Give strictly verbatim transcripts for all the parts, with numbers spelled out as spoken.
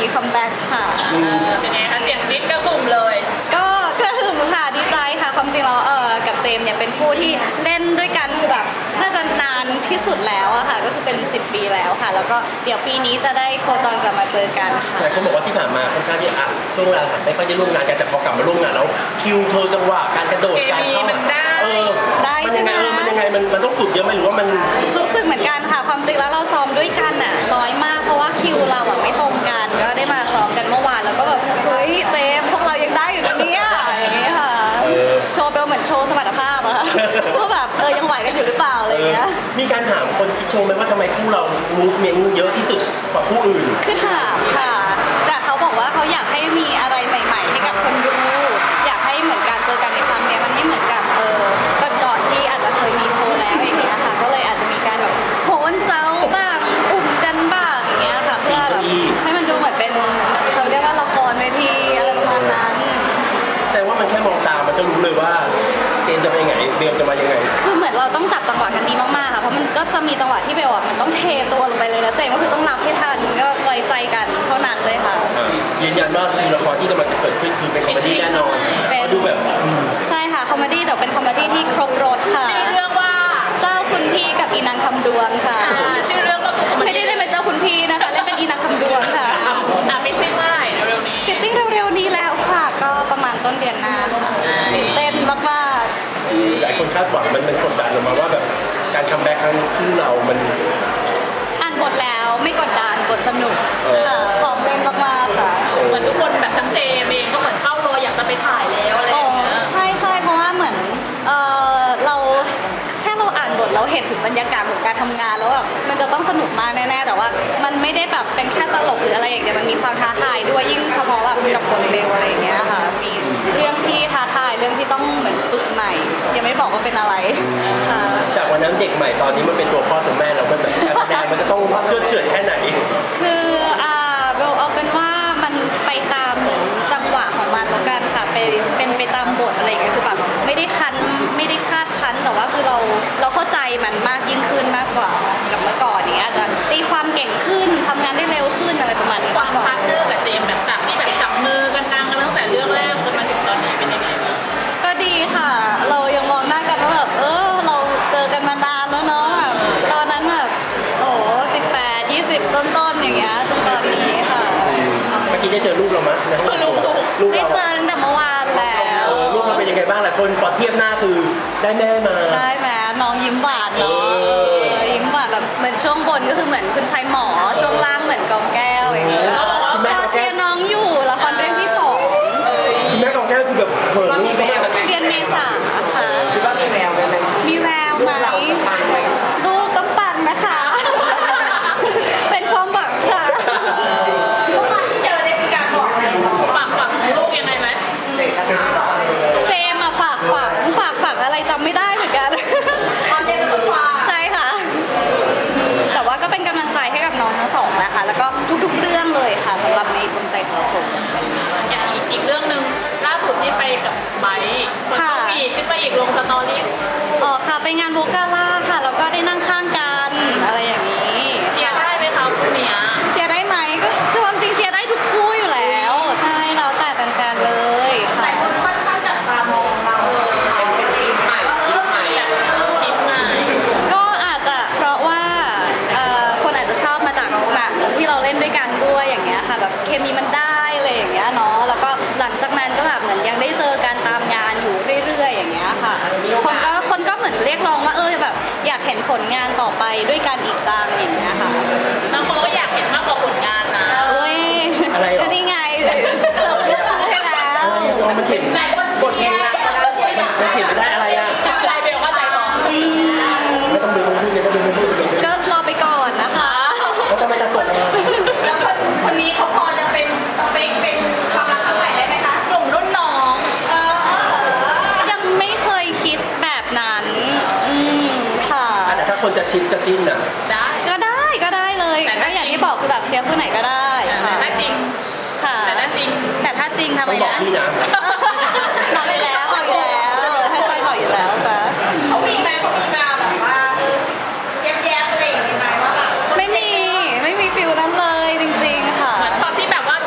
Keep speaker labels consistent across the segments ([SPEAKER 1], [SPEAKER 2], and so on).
[SPEAKER 1] คัมแบ็กค่ะ
[SPEAKER 2] เป็นไงคะเสียงนิดก็กลุ่มเลย
[SPEAKER 1] ก็กระหึ่มค่ะดีใจค่ะความจริงแล้วเออกับเจมเนี่ยเป็นคู่ที่เล่นด้วยกันคือแบบน่าจะนานที่สุดแล้วอะค่ะก็คือเป็นสิบปีแล้วค่ะแล้วก็เดี๋ยวปีนี้จะได้โคจรกลับมาเจอกันค่ะ
[SPEAKER 3] แต่เขาบอกว่าที่ผ่านมาค่อนข้างที่อ่ะช่วงเวลาไม่ค่อยได้ร่วมงานกันแต่พอกลับมาร่วมงานแล้วคิวเธอจังหวะการกระโดดการเข้า
[SPEAKER 2] มันได้
[SPEAKER 3] เออ
[SPEAKER 1] ได้ใช่ไหม
[SPEAKER 3] มันยังไงมันมันต้องฝึกเยอะไหมหรือว่ามัน
[SPEAKER 1] รู้สึกเหมือนกันค่ะความจริงแล้วเราซ้อมด้วยกันอะน้อยมากเพราะว่าคิวเราอะไม่ตรงกันก็ได้มาซ้อมกันเมื่อวานแล้วก็แบบเฮ้ยเจมพวกเรายังได้อยู่นะเนี่ยอย่างนี้ค่ะโชว์เบลเหมือนโชว์สมรรถภาพอะว่าแบบเออยังไหวกันอยู่หรือเปล่าอะไรอย่างเงี้ย
[SPEAKER 3] มีการถามคนคิดโชว์ไหมว่าทำไมคู่เรามูฟเมนต์เยอะที่สุดกว่าคู่อื่น
[SPEAKER 1] คือถามค่ะแต่เขาบอกว่าเขาอยากให้มีอะไรใหม่ๆให้กับคนดูอยากให้เหมือนการเจอกันในครั้งนี้มันไม่เหมือนกับเออก่อนๆที่อาจจะเคยมีโชว์แล้วอย่างเงี้ยค่ะก็เลยอาจจะมีการแบบโหนเซาบ้างอุ่มกันบ้างอย่างเงี้ยค่ะเพื่อแบบให้มันดูเหมือนเป็นเขาเรียกว่าละครเวทีอะไรประมาณนั้น
[SPEAKER 3] แต่ว่ามันแค่มองตามันก็รู้เลยว่าเจนจะไปยังไงเบลจะมายังไง
[SPEAKER 1] คือเหมือนเราต้องจับจังหวะกันดีมากๆค่ะเพราะมันก็จะมีจังหวะที่เบลอ่ะมันต้องเทตัวลงไปเลยแล้วเจนก็คือต้องนับให้ทันก็ไว้ใจกันเท่านั้นเลยค่ะ
[SPEAKER 3] ยืนยันว่าคือละครที่กำลังจะเกิดขึ้นคือเป็นคอมเมดี้แน่นอนก็ดูแบบ
[SPEAKER 1] ใช่ค่ะคอมเมดี้แต่เป็นคอมเมดี้ที่ครบรสค่ะ
[SPEAKER 2] ชื่อเรื่องว่า
[SPEAKER 1] เจ้าคุณพี่กับอีนางคำดวงค่ะ
[SPEAKER 2] ชื่อเรื่องก็คือ
[SPEAKER 1] ไม่ได้เล่นเป็นเจ้าคุณพี่นะคะเล่นเป็นอีนางคำดวงค่ะ
[SPEAKER 2] อ่ะฟิตติ้งเมื่อไหร่เร็วๆนี้
[SPEAKER 1] ฟิตติ้งเร็วๆนี้แล้วค่ะก็ประมาณต้นเดือนหน้าค่ะตื่นเต้นมาก
[SPEAKER 3] ๆหลายคนคาดหวังมันมันกดดันออกมาว่าแบบการคัมแบ็กครั้งคู่เรามัน
[SPEAKER 1] อ่านบทแล้วไม่กดดันบทสนุกค่ะพร้อมเล่นมากๆค่ะ
[SPEAKER 2] เหมือนทุกคนแบบทั้งเจมเองก็เหมือนเฝ้ารออยากจะไปถ่ายแล้วอะไรอย่างเงี้ย
[SPEAKER 1] ใช่ใช่เพราะว่าเหมือนเออเราแค่เราอ่านบทเราเห็นถึงบรรยากาศของการทำงานแล้วแบบมันจะต้องสนุกมากแน่ๆแต่ว่ามันไม่ได้แบบเป็นแค่ตลกหรืออะไรอย่างเงี้ยมันมีความท้าทายด้วยยิ่งเฉพาะแบบกับบทเบลอะไรอย่างเงี้ยค่ะมีเรื่องที่ท้าทายเรื่องที่ต้องเหมือนฝึกใหม่ยังไม่บอกว่าเป็นอะไรค่ะ
[SPEAKER 3] จากวันนั้นเด็กใหม่ตอนนี้มันเป็นตัวพ่อตัวแม่เรามันแบบการแสดงมันจะต้องเชื่อเฉื่อยแค่ไหน
[SPEAKER 1] คืออ่าเบลเอาเป็นว่ามันไปตามเหมือนจังหวะของมันแล้วกันค่ะเป็นเป็นไปตามบทอะไรอย่างเงี้ยคือแบบไม่ได้คันไม่ได้คาดคันแต่ว่าคือเราเราเข้าใจมันมากยิ่งขึ้นมากกว่ากับเมื่อก่อนนี้อาจจะตีความเก่งขึ้นทำงานได้เร็วขึ้นอะไรประมาณนี้
[SPEAKER 2] ความพาร์ทเนอร์กับเจมแบบแบบที่แบบจับมือกันดังกันตั้งแต่เรื่องแรกจนมาถึงตอนนี้เป็นยังไงบ้าง
[SPEAKER 1] ก็ดีค่ะเรายังมองหน้ากันว่าแบบเออเราเจอกันมานานแล้วเนาะแบบตอนนั้นแบบโอ้สิบแปดยี่สิบต้นๆอย่างเงี้ยจนตอนนี้ค่ะ
[SPEAKER 3] เมื่อกี้ได้เจอลูกเราไหม
[SPEAKER 2] เจอลูก
[SPEAKER 3] ลูก
[SPEAKER 1] ได้เจอตั้งแต่เมื่อวานแล้ว
[SPEAKER 3] ลูกเราเป็นยังไงบ้างหลายคนพอเทียบหน้าคือได้แม่มา
[SPEAKER 1] ได้ไหมน้องยิ้มหวานเนาะยิ้มหวานแบบเหมือนช่วงบนก็คือเหมือนคุณชายหมอช่วงล่างเหมือนกองแก้วอย่างเงี้ยเราเชียร์น้องอยู่ละครเรื่องที่สอง
[SPEAKER 3] คุณแม่กองแก้วคือแบบเหินลูกมาก
[SPEAKER 1] เรียนเมษาค่ะ
[SPEAKER 4] คิดว่ามีแววไหม
[SPEAKER 1] มีแววไหมลูกต้องปังนะคะเป็นความหวังค่ะเมื่อวานที่เจอได้มีการบอกอะไร
[SPEAKER 2] ฝากฝังลูกยังไงไหม
[SPEAKER 1] เจมอะฝากฝังฝากฝังอะไรจำไม่ได้เหมือนกันตอนเจมเป็นคนฝากใช่ค่ะแต่ว่าก็เป็นกำลังใจให้กับน้องทั้งสองนะคะแล้วก็ทุกๆเรื่องเลยค่ะสำหรับในดวงใจของผม
[SPEAKER 2] อย่างอีกเรื่องหนึ่งล่าสุดที่ไปกับไบค์ค่ะอีกที่ไปอีกลงสตอรี่
[SPEAKER 1] อ๋อค่ะไปงานโวกาล่าค่ะแล้วก็ได้นั่งข้างกันอะไรอย่างนี้
[SPEAKER 2] เชียร์ได้ไหมคะคู่นี้
[SPEAKER 1] เชียร์ได้ไหมก็ความจริงเชียร์ได้ทุกคู่อยู่แล้วใช่แล้วแต่แฟนๆเลย
[SPEAKER 4] หลายคนค่อนข้างจับตามองเราเป็นชิ้นใหม่ชิ้นใหม่
[SPEAKER 2] แบบชิ้นใหม่
[SPEAKER 1] ก็อาจจะเพราะว่าคนอาจจะชอบมาจากหนังที่เราเล่นด้วยกันด้วยอย่างเงี้ยค่ะแบบเคมีมันได้อะไรอย่างเงี้ยเนาะแล้วก็หลังจากนั้นก็แบบเหมือนยังได้เจอกันตามงานอยู่เรื่อยๆอย่างเงี้ยค่ะคนก็คนก็เหมือนเรียกร้องว่าเออแบบอยากเห็นผลงานต่อไปด้วยกันอีกจังอย่างเงี้ยค่ะ
[SPEAKER 2] บางคนก็อยากเห็นมากกว่าผลงานนะ
[SPEAKER 1] เอ้ยก็นี่ไงเสิร์ฟเรื่องให้แล้ว
[SPEAKER 3] มันเขียน
[SPEAKER 4] หลายคนเชียร์
[SPEAKER 3] มันเขียนไม่ได้อะไรอ่ะ
[SPEAKER 2] อะไรเบลว่าใจร้อน
[SPEAKER 3] ไม่ต้องดูมันพูดเลยต้องดูมันพูดเลย
[SPEAKER 1] ก็รอไปก่อนนะคะ
[SPEAKER 3] แล้วทำไมจะจบ
[SPEAKER 4] แล้วคนคนนี้เขาพอจะเป็นสเปคเป็นความรักครั้งใหม่ได้ไหมคะ
[SPEAKER 2] หนุ่มรุ่นน้อง
[SPEAKER 1] ยังไม่เคยคิดแบบนั้นอืมค่ะ
[SPEAKER 3] แต่ถ้าคนจะชิปจะจิ้นอ่ะ
[SPEAKER 2] ได้
[SPEAKER 1] ก็ได้ก็ได้เลยก็อย่างที่บอกคือแบบเชียร์ผู้ไหนก็ได้
[SPEAKER 2] ค่ะถ้าจริง
[SPEAKER 1] ค่ะ
[SPEAKER 2] แต่ถ้าจริง
[SPEAKER 1] แต่ถ้าจริงทำไมนะ
[SPEAKER 3] บอกพี่นะ
[SPEAKER 1] บอกไปแล้วบอกอยู่แล้วถ้าใช่บอกอยู่แล้วค่ะ
[SPEAKER 4] เขามีไหมเขามีมาแบบว่าเออแย้มๆอะไรอย่างเงี้ยไหมว่าแบบ
[SPEAKER 1] ไม่มีไม่มีฟิลนั้นเลยจริงๆค่ะ
[SPEAKER 2] เหมือนช็อตที่แบบว่า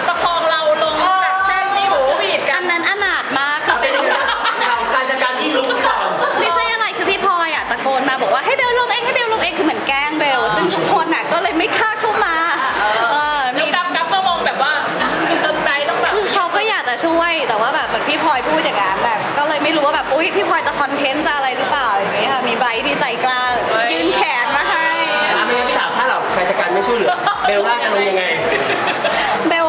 [SPEAKER 1] ซึ่งทุกคนน่ะก็เลยไม่กล้าเข้ามาเออ
[SPEAKER 2] แล้
[SPEAKER 1] มี
[SPEAKER 2] วกัฟกัฟก็มองแบบว่าจนใจต้องแบบ
[SPEAKER 1] คือเขาก็อยากจะช่วยแต่ว่าแบบเหมือนพี่พลอยพูดอย่างนั้นแบบก็เลยไม่รู้ว่าแบบอุ้ยพี่พลอยจะคอนเทนต์จะอะไรหรือเปล่าอย่างเงี้ยค่ะมีไบรท์ที่ใจกล้ายื่นแขนมาให้
[SPEAKER 3] อ่ะไม่งั้นพี่ถามถ้าเราชายจัดการไม่ช่วยเหลือเบลล่าจะลงยังไง
[SPEAKER 1] เบล